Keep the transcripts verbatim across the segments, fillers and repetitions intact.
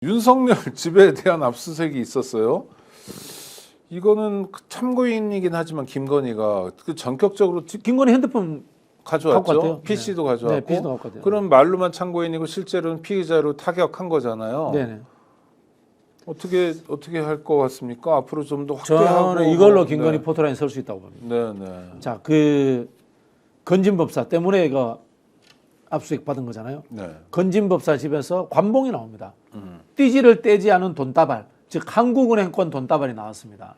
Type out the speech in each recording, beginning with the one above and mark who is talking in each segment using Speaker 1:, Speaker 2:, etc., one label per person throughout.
Speaker 1: 윤석열 집에 대한 압수수색이 있었어요. 이거는 참고인이긴 하지만 김건희가 그 전격적으로
Speaker 2: 김건희 핸드폰
Speaker 1: 가져왔죠. 피씨도
Speaker 2: 네.
Speaker 1: 가져왔고.
Speaker 2: 네, 피씨도 갖고 왔대요.
Speaker 1: 그럼 말로만 참고인이고 실제로는 피의자로 타격한 거잖아요.
Speaker 2: 네네.
Speaker 1: 어떻게 어떻게 할 것 같습니까? 앞으로 좀 더 확대하고.
Speaker 2: 저는 이걸로 김건희
Speaker 1: 네.
Speaker 2: 포토라인 설 수 있다고 봅니다.
Speaker 1: 네네.
Speaker 2: 자, 그 건진법사 때문에 이거 압수수색 받은 거잖아요.
Speaker 1: 네.
Speaker 2: 건진법사 집에서 관봉이 나옵니다.
Speaker 1: 음.
Speaker 2: 띠지를 떼지 않은 돈다발, 즉 한국은행권 돈다발이 나왔습니다.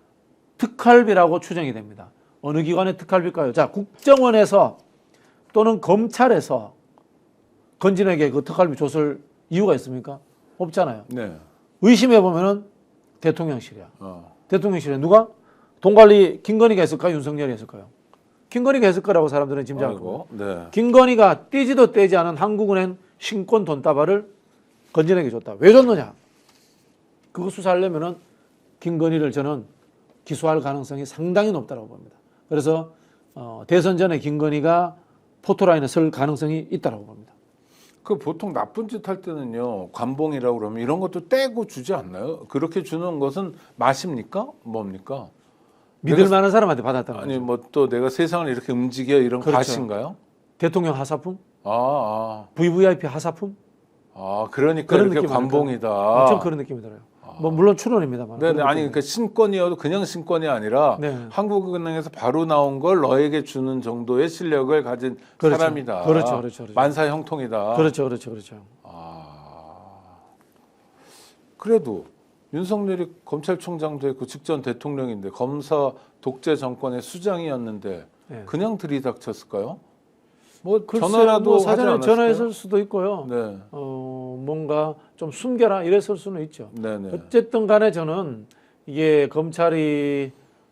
Speaker 2: 특활비라고 추정이 됩니다. 어느 기관의 특활비일까요? 자, 국정원에서 또는 검찰에서 건진에게 그 특활비 줬을 이유가 있습니까? 없잖아요.
Speaker 1: 네.
Speaker 2: 의심해 보면은 대통령실이야.
Speaker 1: 어.
Speaker 2: 대통령실에 누가? 돈 관리 김건희가 했을까요? 윤석열이 했을까요? 김건희가 했을 거라고 사람들은 짐작하고.
Speaker 1: 네.
Speaker 2: 김건희가 떼지도 떼지 않은 한국은행 신권 돈다발을 건진에게 줬다. 왜 줬느냐? 그거 수사하려면은 김건희를 저는 기소할 가능성이 상당히 높다고 봅니다. 그래서 어, 대선 전에 김건희가 포토라인에 설 가능성이 있다고 봅니다.
Speaker 1: 그 보통 나쁜 짓 할 때는요, 관봉이라고 그러면 이런 것도 떼고 주지 않나요? 그렇게 주는 것은 맛입니까? 뭡니까?
Speaker 2: 믿을 만한 사람한테 받았다는
Speaker 1: 아니
Speaker 2: 거죠.
Speaker 1: 뭐 또 내가 세상을 이렇게 움직여 이런
Speaker 2: 그렇죠.
Speaker 1: 과신가요?
Speaker 2: 대통령 하사품,
Speaker 1: 아, 아,
Speaker 2: 브이브이아이피 하사품
Speaker 1: 아 그러니까
Speaker 2: 그런
Speaker 1: 이렇게
Speaker 2: 느낌이
Speaker 1: 관봉이다.
Speaker 2: 엄청 그런 느낌이 들어요. 뭐 물론 추론입니다만.
Speaker 1: 네네.
Speaker 2: 그런
Speaker 1: 아니
Speaker 2: 느낌이
Speaker 1: 그러니까 신권이어도 그냥 신권이 아니라
Speaker 2: 네.
Speaker 1: 한국은행에서 바로 나온 걸 너에게 주는 정도의 실력을 가진
Speaker 2: 그렇죠.
Speaker 1: 사람이다.
Speaker 2: 그렇죠, 그렇죠, 그렇죠.
Speaker 1: 만사 형통이다.
Speaker 2: 그렇죠, 그렇죠, 그렇죠.
Speaker 1: 아 그래도 윤석열이 검찰총장도 했고 직전 대통령인데 검사 독재 정권의 수장이었는데
Speaker 2: 네.
Speaker 1: 그냥 들이닥쳤을까요? 뭐
Speaker 2: 글쎄요,
Speaker 1: 전화라도
Speaker 2: 뭐
Speaker 1: 하지
Speaker 2: 사전에
Speaker 1: 않았을까요?
Speaker 2: 전화했을 수도 있고요.
Speaker 1: 네,
Speaker 2: 어, 뭔가 좀 숨겨라 이랬을 수는 있죠.
Speaker 1: 네네.
Speaker 2: 어쨌든 간에 저는 이게 검찰이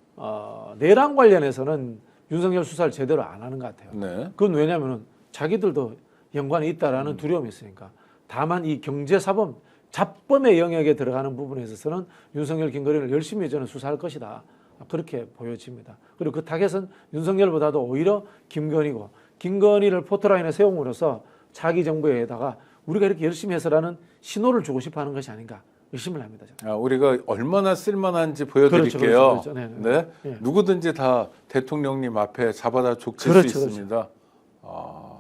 Speaker 2: 어, 내란 관련해서는 윤석열 수사를 제대로 안 하는 것 같아요.
Speaker 1: 네,
Speaker 2: 그건 왜냐하면 자기들도 연관이 있다라는
Speaker 1: 음.
Speaker 2: 두려움이 있으니까. 다만 이 경제사범, 잡범의 영역에 들어가는 부분에 있어서는 윤석열, 김건희를 열심히 저는 수사할 것이다. 그렇게 보여집니다. 그리고 그 타겟은 윤석열보다도 오히려 김건희고, 김건희를 포토라인에 세움으로써 자기 정부에다가 우리가 이렇게 열심히 해서라는 신호를 주고 싶어하는 것이 아닌가 의심을 합니다. 저는.
Speaker 1: 아, 우리가 얼마나 쓸만한지 보여드릴게요.
Speaker 2: 그렇죠, 그렇죠, 그렇죠. 네, 네.
Speaker 1: 네,
Speaker 2: 네.
Speaker 1: 누구든지 다 대통령님 앞에 잡아다 족칠
Speaker 2: 그렇죠,
Speaker 1: 수 있습니다. 아,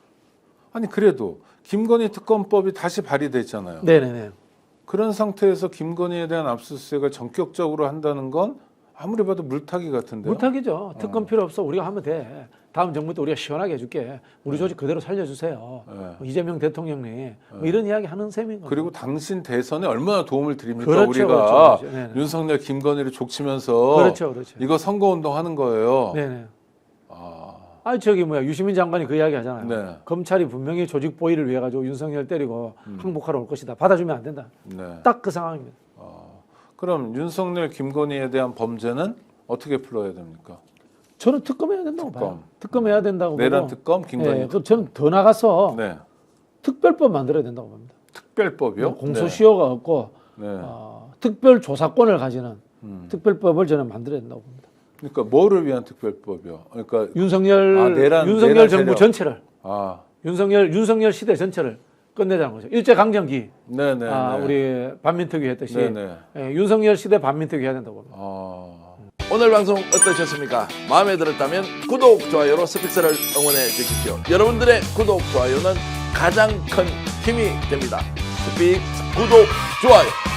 Speaker 1: 아니 그래도 김건희 특검법이 다시 발의됐잖아요.
Speaker 2: 네네네.
Speaker 1: 그런 상태에서 김건희에 대한 압수수색을 전격적으로 한다는 건 아무리 봐도 물타기 같은데요.
Speaker 2: 물타기죠. 특검 필요 없어. 우리가 하면 돼. 다음 정부 때 우리가 시원하게 해줄게. 우리 조직 그대로 살려주세요.
Speaker 1: 네.
Speaker 2: 뭐 이재명 대통령이 뭐 이런 이야기 하는 셈인 거죠.
Speaker 1: 그리고 당신 대선에 얼마나 도움을 드립니까?
Speaker 2: 그렇죠,
Speaker 1: 우리가
Speaker 2: 그렇죠, 그렇죠. 네네.
Speaker 1: 윤석열, 김건희를 족치면서
Speaker 2: 그렇죠, 그렇죠.
Speaker 1: 이거 선거운동 하는 거예요.
Speaker 2: 네네.
Speaker 1: 아,
Speaker 2: 아 저기 뭐야 유시민 장관이 그 이야기 하잖아요.
Speaker 1: 네.
Speaker 2: 검찰이 분명히 조직 보위를 위해 가지고 윤석열 때리고 항복하러 올 것이다. 받아주면 안 된다.
Speaker 1: 네.
Speaker 2: 딱 그 상황입니다.
Speaker 1: 어, 그럼 윤석열, 김건희에 대한 범죄는 어떻게 풀어야 됩니까?
Speaker 2: 저는 특검해야 된다고
Speaker 1: 특검.
Speaker 2: 봐요. 특검해야 된다고
Speaker 1: 내란
Speaker 2: 보고.
Speaker 1: 특검, 김건희
Speaker 2: 네, 그 저는 더 나가서
Speaker 1: 네.
Speaker 2: 특별법 만들어야 된다고 봅니다.
Speaker 1: 특별법이요?
Speaker 2: 공소시효가 없고
Speaker 1: 네.
Speaker 2: 어, 특별 조사권을 가지는
Speaker 1: 음.
Speaker 2: 특별법을 저는 만들어야 된다고 봅니다.
Speaker 1: 그러니까 뭐를 위한 특별법이요? 그러니까
Speaker 2: 윤석열
Speaker 1: 아, 내란,
Speaker 2: 윤석열
Speaker 1: 내란
Speaker 2: 정부
Speaker 1: 세력.
Speaker 2: 전체를
Speaker 1: 아,
Speaker 2: 윤석열 윤석열 시대 전체를 끝내자는 거죠. 일제 강점기
Speaker 1: 네네.
Speaker 2: 아, 우리 반민특위 했듯이
Speaker 1: 네네.
Speaker 2: 예, 윤석열 시대 반민특위 해야 된다고 봅니다.
Speaker 1: 아,
Speaker 3: 오늘 방송 어떠셨습니까? 마음에 들었다면 구독, 좋아요로 스픽스를 응원해 주십시오. 여러분들의 구독, 좋아요는 가장 큰 힘이 됩니다. 스픽 구독, 좋아요.